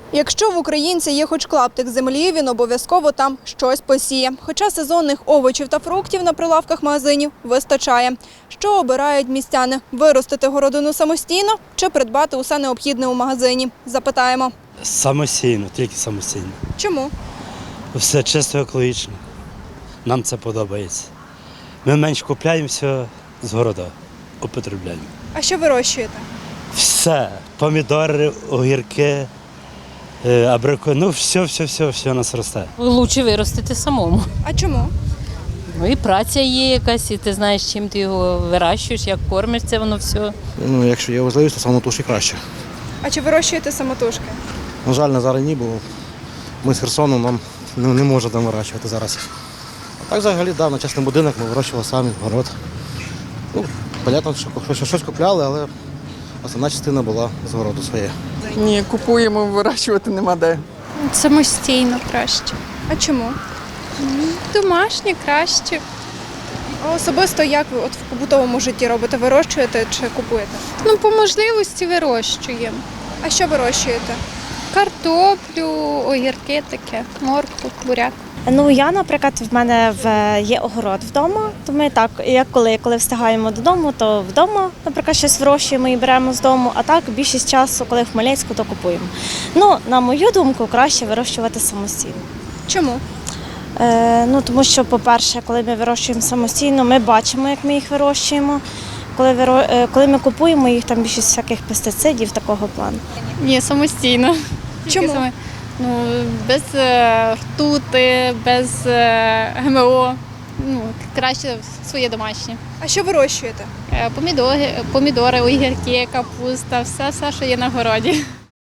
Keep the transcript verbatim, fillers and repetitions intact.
Якщо в українця є хоч клаптик землі, він обов'язково там щось посіє. Хоча сезонних овочів та фруктів на прилавках магазинів вистачає. Що обирають містяни – виростити городину самостійно чи придбати усе необхідне у магазині? Запитаємо. Самостійно, тільки самостійно. Чому? Все чисто екологічно. Нам це подобається. Ми менш купляємо все з города, употребляємо. А що вирощуєте? Все. Помідори, огірки, е, абрико, ну все, все, все, все у нас росте. Лучше виростити самому. А чому? Ну і праця є якась, і ти знаєш, чим ти його вирощуєш, як кормиш це воно все. Ну, якщо є можливість, то самотужки краще. А чи вирощуєте самотужки? На жаль, на зараз ні, бо ми з Херсону нам не, не можемо там вирощувати зараз. А так взагалі, да, на частний будинок ми вирощували самі, город. Ну, понятно, що щось, щось купляли, але основна частина була з городу своєї. Ні, купуємо, вирощувати нема де. Самостійно краще. А чому? Домашнє краще. А особисто як ви от в побутовому житті робите? Вирощуєте чи купуєте? Ну, по можливості вирощуємо. А що вирощуєте? Картоплю, огірки таке, моркву, буряк. Ну, я, наприклад, в мене в, є огород вдома, то ми так, як коли, коли встигаємо додому, то вдома, наприклад, щось вирощуємо і беремо з дому, а так більшість часу, коли в Хмельницьку, то купуємо. Ну, на мою думку, краще вирощувати самостійно. Чому? Е, ну, тому що, по-перше, коли ми вирощуємо самостійно, ми бачимо, як ми їх вирощуємо. Коли, виро... е, коли ми купуємо їх, там більшість всяких пестицидів такого плану. Ні, самостійно. Чому? Ну, без е, ртути, без е, ГМО. Ну, краще своє домашнє. А що вирощуєте? Е, помідори, помідори, огірки, капуста, все, все, що є на городі.